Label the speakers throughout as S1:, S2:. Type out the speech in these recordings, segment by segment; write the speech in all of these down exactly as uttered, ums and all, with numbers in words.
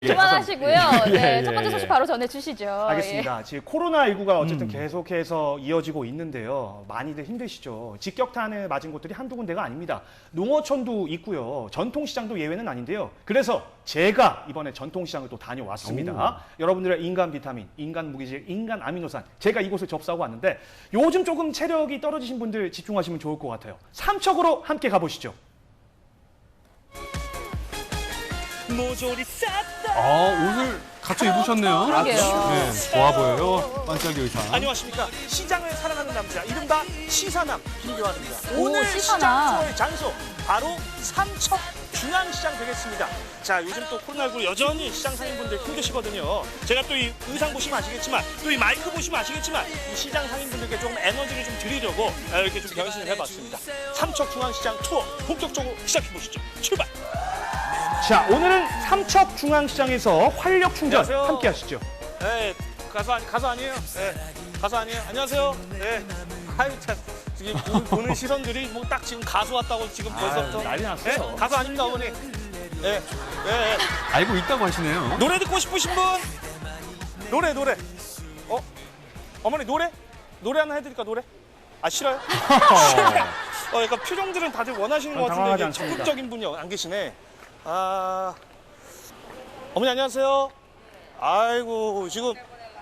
S1: 그만하시고요.
S2: 예,
S1: 네,
S2: 예,
S1: 첫 번째
S2: 예.
S1: 소식 바로 전해주시죠.
S3: 알겠습니다. 지금 코로나십구가 어쨌든
S2: 음.
S3: 계속해서 이어지고 있는데요. 많이들 힘드시죠. 직격탄을 맞은 곳들이 한두 군데가 아닙니다. 농어촌도 있고요. 전통시장도 예외는 아닌데요. 그래서 제가 이번에 전통시장을 또 다녀왔습니다.
S2: 오.
S3: 여러분들의 인간 비타민, 인간 무기질, 인간 아미노산 제가 이곳을 접수하고 왔는데 요즘 조금 체력이 떨어지신 분들 집중하시면 좋을 것 같아요. 삼척으로 함께 가보시죠.
S4: 모조리 쌌다.
S2: 아, 옷을 갖춰 입으셨네요.
S1: 그러게요.
S2: 네, 좋아 보여요. 반짝이 의상.
S4: 안녕하십니까. 시장을 사랑하는 남자, 이른바 시사남 김교환입니다.
S1: 오,
S4: 오늘
S1: 시사남.
S4: 시장 투어의 장소, 바로 삼척 중앙시장 되겠습니다. 자, 요즘 또 코로나십구 여전히 시장 상인분들 힘드시거든요. 제가 또 이 의상 보시면 아시겠지만, 또 이 마이크 보시면 아시겠지만, 이 시장 상인분들께 조금 에너지를 좀 드리려고 이렇게 좀 변신을 해봤습니다. 삼척 중앙시장 투어 본격적으로 시작해보시죠. 출발!
S3: 자, 오늘은 삼척 중앙시장에서 활력 충전
S4: 안녕하세요.
S3: 함께 하시죠.
S4: 네, 가수, 아니, 가수 아니에요? 네, 가수 아니에요? 안녕하세요. 네. 아유, 참. 지금 보- 보는 시선들이 뭐 딱 지금 가수 왔다고 지금 벌써부터.
S3: 난리 났어요.
S4: 네, 가수 아닙니다, 어머니. 네, 네, 네.
S2: 알고 있다고 하시네요.
S4: 노래 듣고 싶으신 분? 노래, 노래. 어? 어머니, 노래? 노래 하나 해드릴까, 노래? 아, 싫어요? 어, 약간 표정들은 다들 원하시는 것 같은데
S3: 당황하지
S4: 이게
S3: 않습니다.
S4: 적극적인 분이 안 계시네. 아, 어머니 안녕하세요. 아이고 지금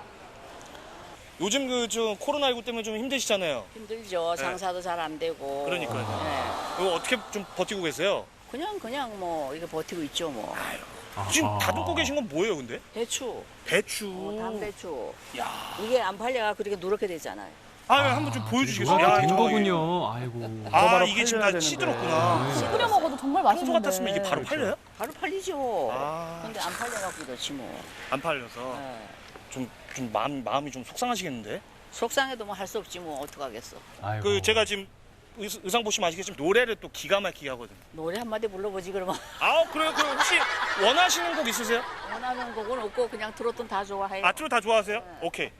S4: 요즘 그 좀 코로나십구 때문에 좀 힘드시잖아요.
S5: 힘들죠.
S4: 네.
S5: 장사도 잘 안 되고.
S4: 그러니까요.
S5: 네.
S4: 이거 어떻게 좀 버티고 계세요?
S5: 그냥 그냥 뭐 이거 버티고 있죠 뭐.
S4: 지금
S2: 아하.
S4: 다듬고 계신 건 뭐예요, 근데?
S5: 배추,
S4: 배추.
S5: 어, 담배추.
S4: 야,
S5: 이게 안 팔려가 그렇게 누렇게 되잖아요.
S4: 아, 한번 좀 보여주시겠어요?
S2: 누가
S4: 야,
S2: 된
S4: 저거
S2: 거군요. 아이고.
S4: 아,
S3: 바로
S4: 이게 지금
S3: 팔려야
S4: 다
S3: 되는데.
S4: 시들었구나.
S1: 끓여 먹어도 정말
S4: 평소
S1: 맛있는데.
S4: 같았으면 이게 바로 팔려요?
S5: 바로 팔리죠.
S4: 아.
S5: 근데 안 팔려갖고 그렇지 뭐.
S4: 안 팔려서
S5: 네.
S4: 좀, 좀 마음, 마음이 좀 속상하시겠는데?
S5: 속상해도 뭐 할 수 없지 뭐 어떡하겠어.
S2: 아이고.
S4: 그 제가 지금 의- 의상 보시면 아시겠지만 노래를 또 기가 막히게 하거든요.
S5: 노래 한마디 불러보지 그러면.
S4: 아, 그래요? 그럼 혹시 원하시는 곡 있으세요?
S5: 원하는 곡은 없고 그냥 트로트는 다 좋아해요.
S4: 아, 트로 다 좋아하세요? 오케이.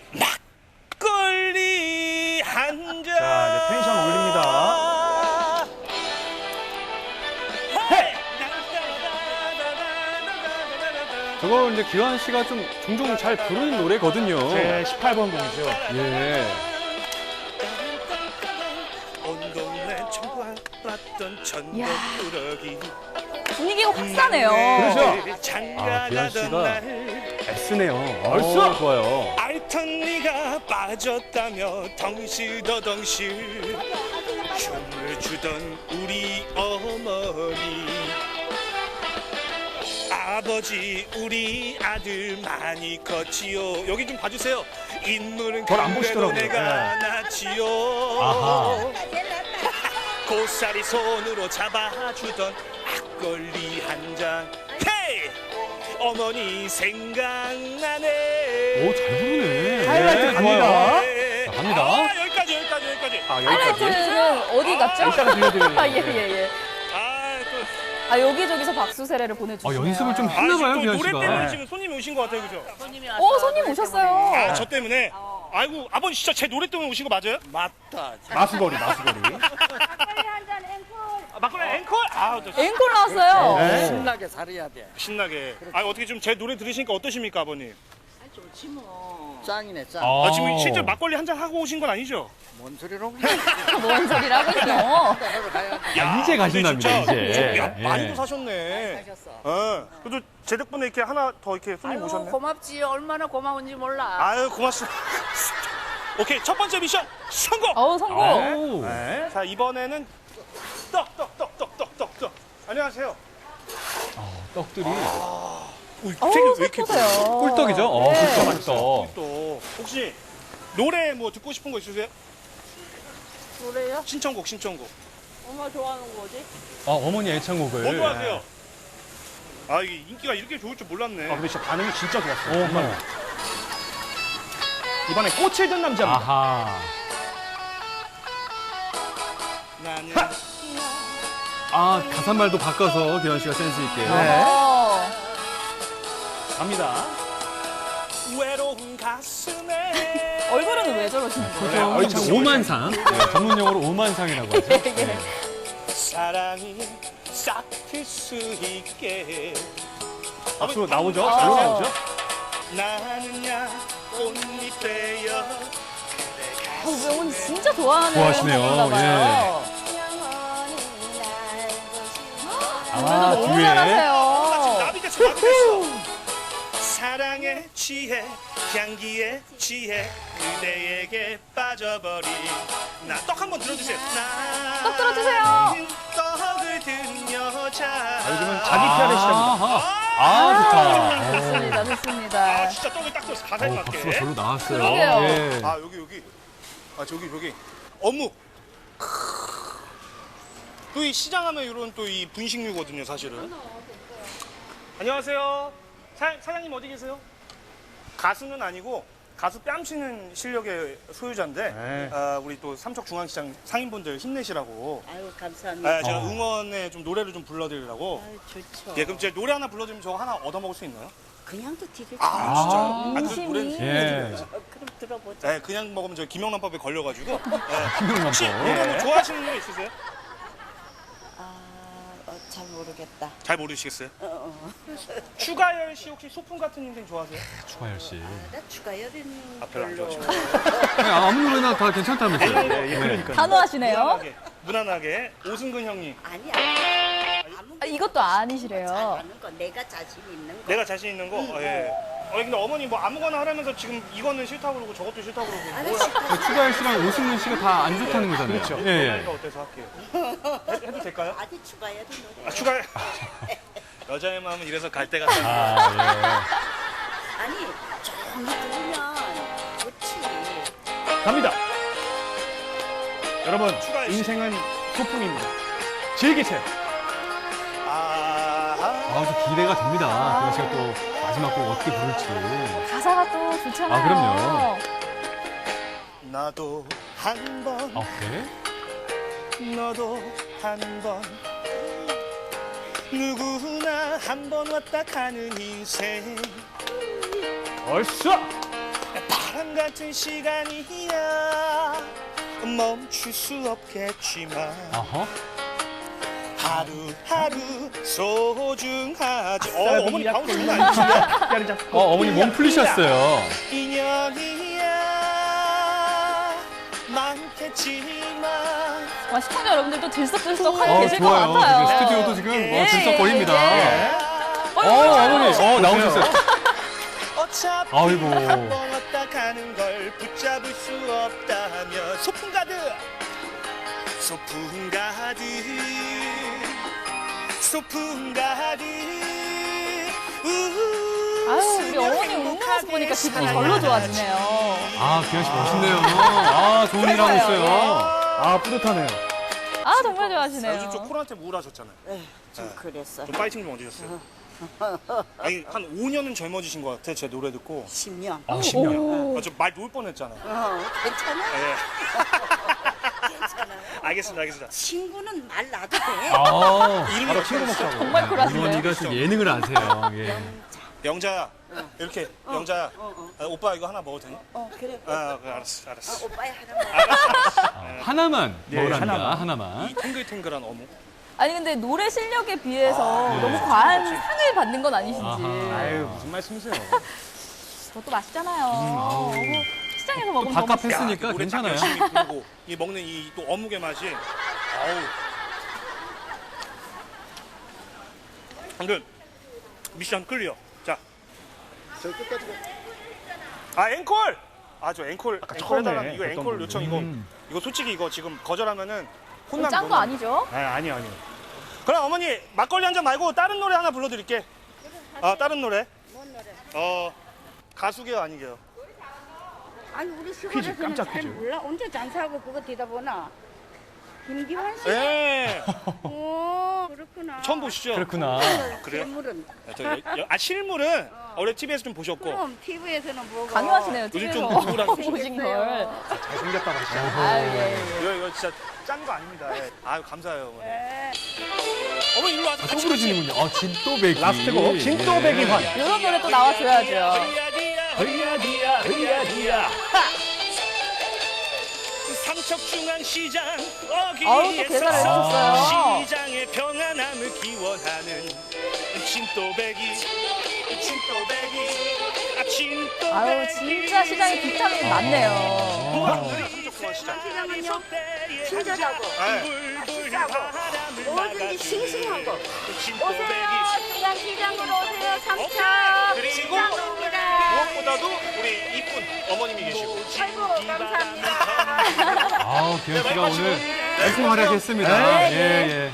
S4: 막걸리 한 잔.
S3: 자, 이제 텐션 올립니다.
S2: 저거 이제 기환 씨가 좀 종종 잘 부르는 노래거든요.
S3: 제 십팔 번 곡이죠.
S2: 예.
S4: 온 동네 청구받던 천덕꾸러기.
S1: 분위기가 확 사네요.
S3: 그렇죠.
S2: 아,
S4: 장가가던
S2: 기환 씨가
S4: 날
S2: 애쓰네요.
S3: 벌써?
S2: 어, 좋아요.
S4: 알던 네가 빠졌다며 덩실더덩실 춤을 추던 우리 어머니 아버지 우리 아들 많이 컸지요. 여기 좀 봐주세요. 인물은
S3: 그걸 안
S4: 그래도
S3: 보시더라고요.
S4: 내가
S3: 네.
S4: 낳지요.
S2: 아하.
S4: 고사리 손으로 잡아주던 막걸리 한 잔. 헤이! 어머니 생각나네.
S2: 오, 잘 부르네.
S3: 하이라이트
S2: 네,
S3: 갑니다.
S2: 좋아요.
S4: 네.
S2: 자, 갑니다.
S4: 아, 여기까지 여기까지 여기까지.
S3: 아, 여기까지.
S1: 하이라이트는 어디 갔죠?
S3: 이따가 들려드리는
S1: 아, 예, 예, 예.
S4: 아, 또
S1: 아, 여기저기서 박수 세례를
S2: 어,
S1: 보내주시네요.
S2: 연습을 좀
S4: 아,
S2: 했나 봐요,
S4: 지금 또
S2: 기환
S4: 노래
S2: 씨가.
S4: 때문에 지금 손님이 오신 것 같아요, 그죠?
S5: 손님이
S1: 어, 손님
S5: 노래
S1: 오셨어요.
S4: 아, 저 때문에. 아이고, 아버님 진짜 제 노래 때문에 오신 거 맞아요?
S5: 맞다.
S3: 마수거리, 마수거리.
S4: 아, 막걸리 앵콜? 아, 또
S1: 앵콜 나왔어요.
S3: 네.
S6: 신나게 살아야 돼.
S4: 신나게. 아, 어떻게 좀 제 노래 들으시니까 어떠십니까, 아버님?
S5: 좋지 뭐.
S6: 짱이네, 짱.
S2: 아,
S4: 아, 지금 실제 막걸리 한 잔 하고 오신 건 아니죠?
S6: 뭔 소리로 그냥
S1: 뭔 소리라고 있어.
S6: 하러 가야 돼.
S4: 야,
S2: 이제 가신답니다,
S4: 근데 진짜
S2: 이제.
S4: 야,
S2: 예.
S4: 많이도 사셨네.
S5: 하셨어.
S4: 어. 그래도 제 덕분에 이렇게 하나 더 이렇게 손님
S5: 아유
S4: 오셨네.
S5: 고맙지. 얼마나 고마운지 몰라.
S4: 아유, 고맙습니다. 오케이, 첫 번째 미션 성공!
S1: 어우, 성공.
S2: 오.
S3: 네.
S4: 자, 이번에는 떡, 떡, 떡, 떡, 떡, 떡, 떡. 안녕하세요.
S2: 떡들이
S4: 오,
S1: 어우, 색보세요.
S2: 꿀떡이죠? 어,
S1: 네.
S2: 꿀떡, 꿀떡.
S4: 또 혹시 노래 뭐 듣고 싶은 거 있으세요?
S5: 노래요?
S4: 신청곡, 신청곡.
S5: 엄마 좋아하는 거지?
S2: 아, 어머니 애창곡을.
S4: 뭐 좋아하세요? 아, 이게 인기가 이렇게 좋을 줄 몰랐네.
S3: 아, 근데 진짜 반응이 진짜 좋았어요.
S2: 어머.
S3: 이번에 꽃을 든 남자입니다.
S2: 아하.
S4: 나는
S2: 아, 가사말도 바꿔서 기환 씨가 센스 있게.
S3: 네.
S1: 어.
S3: 갑니다.
S4: 외로운 가슴에
S1: 얼굴은 왜 저러시는 거예요?
S3: 네, 얼창
S2: 오만상. 네, 전문 용어로 오만상이라고 하죠. 네.
S4: 사랑이 싹 틀 수 있게
S3: 박수 나오죠?
S1: 어.
S3: 잘 나오죠?
S4: 나는야 꽃잎 되어
S1: 어, 명훈 진짜 좋아하는
S2: 좋아하시네요.
S1: 곡인가 봐요.
S2: 아,
S1: 노래도 너무
S2: 뒤에.
S1: 잘하세요.
S4: 나비겠어 나비겠어 사랑에 취해 향기에 취해 그대에게 빠져버린 나 떡 한번 들어주세요.
S1: 떡 들어주세요.
S4: 떡을 든 여자
S3: 아, 요즘은 자기 피아르 시장입니다.
S2: 아하. 아, 좋다.
S1: 좋습니다,
S4: 아
S1: 좋습니다.
S4: 진짜 떡을 딱 들었어. 가사에
S2: 어,
S4: 맞게.
S2: 박수가 절로 나왔어요.
S1: 그러게요.
S2: 예.
S4: 아 여기 여기 아 저기 저기 어묵 또 이 시장하면 이런 또 이 분식류거든요 사실은. 안녕하세요. 사, 사장님 어디 계세요? 가수는 아니고 가수 뺨치는 실력의 소유자인데
S3: 네.
S4: 아, 우리 또 삼척중앙시장 상인분들 힘내시라고
S5: 아유 감사합니다.
S4: 아, 제가
S2: 어.
S4: 응원에 좀 노래를 좀 불러드리려고.
S5: 아유 좋죠.
S4: 예, 그럼 제가 노래 하나 불러드리면 저거 하나 얻어먹을 수 있나요?
S5: 그냥도 드릴 수
S4: 아,
S5: 있죠.
S4: 진짜요? 아, 그
S1: 인심이.
S4: 노래는
S2: 예.
S5: 어, 그럼 들어보자.
S4: 네, 그냥 먹으면 저 김영란법에 걸려가지고. 예.
S2: 김영란법.
S4: 혹시 노래 뭐 좋아하시는 노래 있으세요?
S5: 아, 어, 잘 모르겠다.
S4: 잘 모르시겠어요?
S5: 어, 어.
S4: 추가열 씨 혹시 소풍 같은 인생 좋아하세요?
S2: 추가열 씨.
S5: 나 추가열인
S4: 아, 별로 안
S5: 걸로.
S2: 네, 아무 노래나 다 괜찮다면서요.
S3: 예, 예, 그러니까요.
S1: 단호하시네요.
S4: 무난하게, 무난하게 오승근 형님.
S5: 아니 아니. 아무
S1: 아, 이것도 아니시래요.
S5: 잘하는 거 내가 자신 있는 거.
S4: 내가 자신 있는 거. 어, 예. 어, 근데 어머니 뭐 아무거나 하라면서 지금 이거는 싫다고 그러고 저것도 싫다고 그러고.
S5: 아니,
S4: 뭘
S5: 싫다.
S2: 그 추가열 씨랑 오승근 씨가 다 안 좋다는 거잖아요.
S3: 그렇죠.
S2: 예, 예.
S4: 하니까 어때서 할게요. 해, 해도 될까요?
S5: 아니 추가열인 노래.
S4: 아, 추가열. 여자의 마음은 이래서 갈 때가 다.
S2: 아,
S5: 아니 조용히 들으면 좋지.
S3: 갑니다. 여러분,
S4: 추가열 씨.
S3: 인생은 소풍입니다. 즐기세요.
S4: 아,
S2: 예. 아, 저 기대가 됩니다. 그래서 제가 또 마지막 곡 어떻게 부를지.
S1: 가사가 또 좋잖아요.
S2: 아, 그럼요.
S4: 나도 한 번,
S2: 아, 그래?
S4: 너도 한 번. 누구나 한 번 왔다 가는 인생.
S3: 얼쑤!
S4: 바람 같은 시간이야. 멈출 수 없겠지만
S2: 아하.
S4: 하루하루 소중하지. 어,
S3: 쌀
S4: 어머니
S3: 약
S4: 방금 장난 아니시네.
S3: 뼈를 잡고
S2: 어, 어머니 몸 풀리셨어요.
S4: 인연이야 많겠지만
S1: 와, 시청자 여러분들도 들썩들썩 하고
S2: 어,
S1: 계실 것
S2: 좋아요.
S1: 같아요.
S2: 지금 스튜디오도 지금
S1: 예,
S2: 어, 들썩거립니다.
S1: 예, 예.
S2: 어, 어머니. 어, 나오셨어요.
S4: 어차피
S2: 아이고.
S4: 한 번 왔다 가는 걸 붙잡을 수 없다면 소풍 가득 소풍 가득 소풍 가득 우후,
S1: 아유, 우리 어머니 웃는 모습 보니까 기분이 절로 좋아지네요.
S2: 아, 기현 씨 멋있네요. 아, 좋은 일 하고 있어요.
S3: 아, 뿌듯하네요.
S1: 아, 정말
S4: 아,
S1: 좋아하시네요.
S4: 요즘 좀 코로나 때문에 우울하셨잖아요.
S5: 에휴, 좀 그랬어.
S4: 좀 파이팅 좀 얻으셨어요. 아니 한 오 년은 젊어지신 것 같아. 제 노래 듣고.
S5: 십 년.
S2: 아, 십 년.
S1: 오.
S4: 아, 좀말 놓을 뻔했잖아요.
S5: 어, 괜찮아?
S4: 예.
S5: 괜찮아요.
S4: 알겠습니다, 알겠습니다.
S5: 친구는 말 놔도 돼.
S2: 아,
S4: 이름이
S3: 바로
S4: 어떻게
S3: 친구
S4: 되시죠?
S3: 먹자고.
S1: 정말 쿨하시네요.
S2: 어머니가 좀 예능을 아세요. 예.
S4: 영자야, 이렇게 영자야.
S5: 어, 어.
S4: 아, 오빠 이거 하나 먹어도 되니?
S5: 어, 그래.
S4: 아, 그래, 알았어,
S5: 아,
S4: 알았어.
S5: 오빠야 하나만.
S4: 알았어, 알았어.
S2: 아, 하나만
S3: 예,
S2: 먹으랍니다.
S3: 하나만.
S2: 하나만.
S4: 이 탱글탱글한 어묵.
S1: 아니, 근데 노래 실력에 비해서
S2: 네.
S1: 너무 과한 상을 받는 건 아니신지.
S2: 아하.
S3: 아유, 무슨 말씀이세요?
S1: 저것도 맛있잖아요.
S2: 아우.
S1: 어머, 시장에서 먹으면
S2: 밥값
S1: 너무
S2: 했으니- 했으니까
S4: 노래 딱
S2: 괜찮아요.
S4: 열심히 부르고 이 먹는 이 또 어묵의 맛이. 아우. 근데 미션 클리어. 자,
S6: 저 끝까지
S4: 아 앵콜. 아 저 앵콜 앵콜
S3: 처음에
S4: 해달라는 이거
S3: 어떤
S4: 앵콜
S3: 분이.
S4: 요청 이거
S2: 음.
S4: 이거 솔직히 이거 지금 거절하면은 혼나는
S1: 짠 거 아니죠?
S3: 아, 아니요, 아니요.
S4: 그럼 어머니 막걸리 한 잔 말고 다른 노래 하나 불러드릴게. 아 다른 노래.
S5: 뭔 노래?
S4: 어 가수게요 아니게요?
S5: 아니 우리
S3: 퀴즈,
S5: 시골에서는
S3: 깜짝
S5: 잘
S3: 퀴즈.
S5: 몰라. 언제 장사하고 그거 되다 보나. 김기환 씨?
S4: 예.
S5: 오, 그렇구나.
S4: 처음 보시죠?
S2: 그렇구나.
S4: 그래요?
S5: 실물은.
S4: 아, 저, 여- 여- 아 실물은 원래 티비에서 좀 보셨고
S5: 그럼 티비에서는 보고.
S1: 강요하시네요,
S4: 요즘
S1: 티비에서
S4: 좀 우울한
S1: 보신 걸.
S3: 잘생겼다고 하시죠.
S1: 아유, 예, 예.
S4: 이거, 이거 진짜 짠 거 아닙니다. 예. 아유 감사해요 어머니.
S5: 네.
S4: 어머니 일로 와서
S2: 또
S4: 같이
S2: 부르시는군요. 아, 진또배기.
S3: 라스트 곡, 진또배기 환.
S1: 이런 노래 또 나와줘야죠.
S4: 허리야디야 허리야디야 허리야디야 삼척중앙시장
S1: 아우, 또
S4: 어귀에서
S1: 계산을 해주셨어요.
S4: 시장의 평안함을 기원하는 진또배기 진또배기 아 진또배기
S1: 아유, 진짜 시장에 비타민 많네요.
S5: 시장은요, 친절하고 싸고 뭐든지 싱싱하고 오세요. 중앙시장으로 오세요. 삼척
S4: 그리고
S5: 시장입니다.
S4: 무엇보다도 우리 이쁜 어머님이 계시고
S5: 아이고 감사합니다.
S2: 아우, 기현 씨가 오늘 열심히 활약했습니다. 예, 예.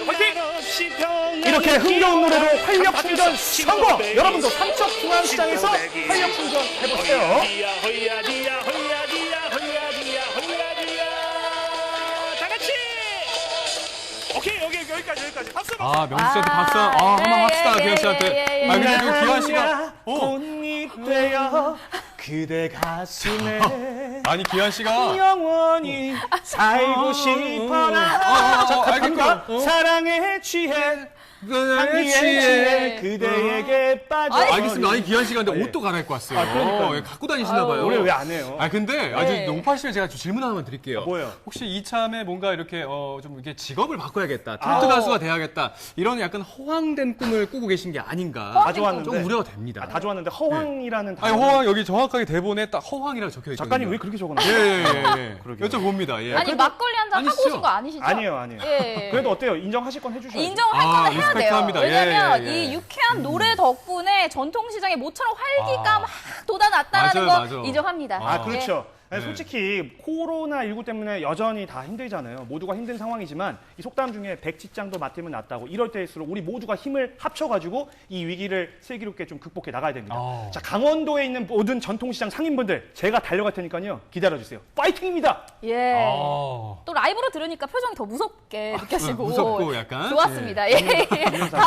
S3: 이렇게 흥겨운 노래로 활력 충전 성공! 여러분도 삼척 중앙시장에서 활력 충전 해보세요.
S4: 허야디야 허야디야 허야디야 허야디야 허야디야 다 같이 오케이 여기 여기까지 여기까지 박수
S2: 아, 명수 씨한테 박수. 아,
S1: 예,
S2: 한번 합시다,
S1: 예,
S2: 기현
S1: 예,
S2: 씨한테.
S1: 예, 예, 예.
S2: 아, 근데 그 기현 씨가. 오.
S3: 꽃잎 되어 그대 가슴에
S2: 아니, 기현 씨가.
S3: 영원히 살고 싶어라.
S2: 어, 어,
S3: 자,
S2: 어,
S3: 갑니다.
S2: 알겠고. 어.
S3: 사랑에 취해 향기에 취해 그대에게 빠져.
S2: 아, 알겠습니다. 아니, 기현 씨가 근데
S3: 예.
S2: 옷도 갈아입고 왔어요.
S3: 아, 그러니까요.
S2: 예, 갖고 다니시나 봐요.
S3: 노래 왜 안 해요?
S2: 아, 근데 아주
S1: 네.
S2: 농파씨를 제가 좀 질문 하나만 드릴게요.
S3: 뭐예요?
S2: 혹시 이참에 뭔가 이렇게 어, 좀 이렇게 직업을 바꿔야겠다. 트로트
S3: 아.
S2: 가수가 돼야겠다. 이런 약간 허황된 꿈을 꾸고 계신 게 아닌가.
S3: 다 좋았는데.
S2: 좀 우려가 됩니다.
S3: 아, 다 좋았는데 허황이라는 단어.
S2: 아니, 허황 여기 정확하게 대본에 딱 허황이라고 적혀 있거든요.
S3: 작가님 왜 그렇게 적어놨어요?
S2: 예, 예, 예.
S3: 그러게요.
S2: 여쭤봅니다. 예.
S1: 아니, 막걸리 한 잔 하고
S2: 아니시죠?
S1: 오신 거 아니시죠?
S3: 아니에요, 아니에요.
S1: 예.
S3: 그래도 어때요? 인정하실 건 해주셔야죠.
S1: 인정할
S2: 아,
S1: 거는 해야 돼요.
S2: 리스펙트합니다. 예,
S1: 왜냐면
S2: 예, 예.
S1: 이 유쾌한 노래 덕분에 전통시장에 모처럼 활기가
S2: 아.
S1: 막 돋아났다는
S2: 맞아요,
S1: 거
S2: 맞아요.
S1: 인정합니다.
S3: 아,
S2: 아,
S3: 그렇죠.
S2: 네.
S3: 솔직히 코로나십구 때문에 여전히 다 힘들잖아요. 모두가 힘든 상황이지만 이 속담 중에 백지장도 맡으면 낫다고 이럴 때일수록 우리 모두가 힘을 합쳐가지고 이 위기를 슬기롭게 좀 극복해 나가야 됩니다.
S2: 아.
S3: 자, 강원도에 있는 모든 전통시장 상인분들 제가 달려갈 테니까요. 기다려주세요. 파이팅입니다.
S1: 예.
S2: 아.
S1: 또 라이브로 들으니까 표정이 더 무섭게 느껴지고
S2: 무섭고 약간?
S1: 좋았습니다. 예. 예.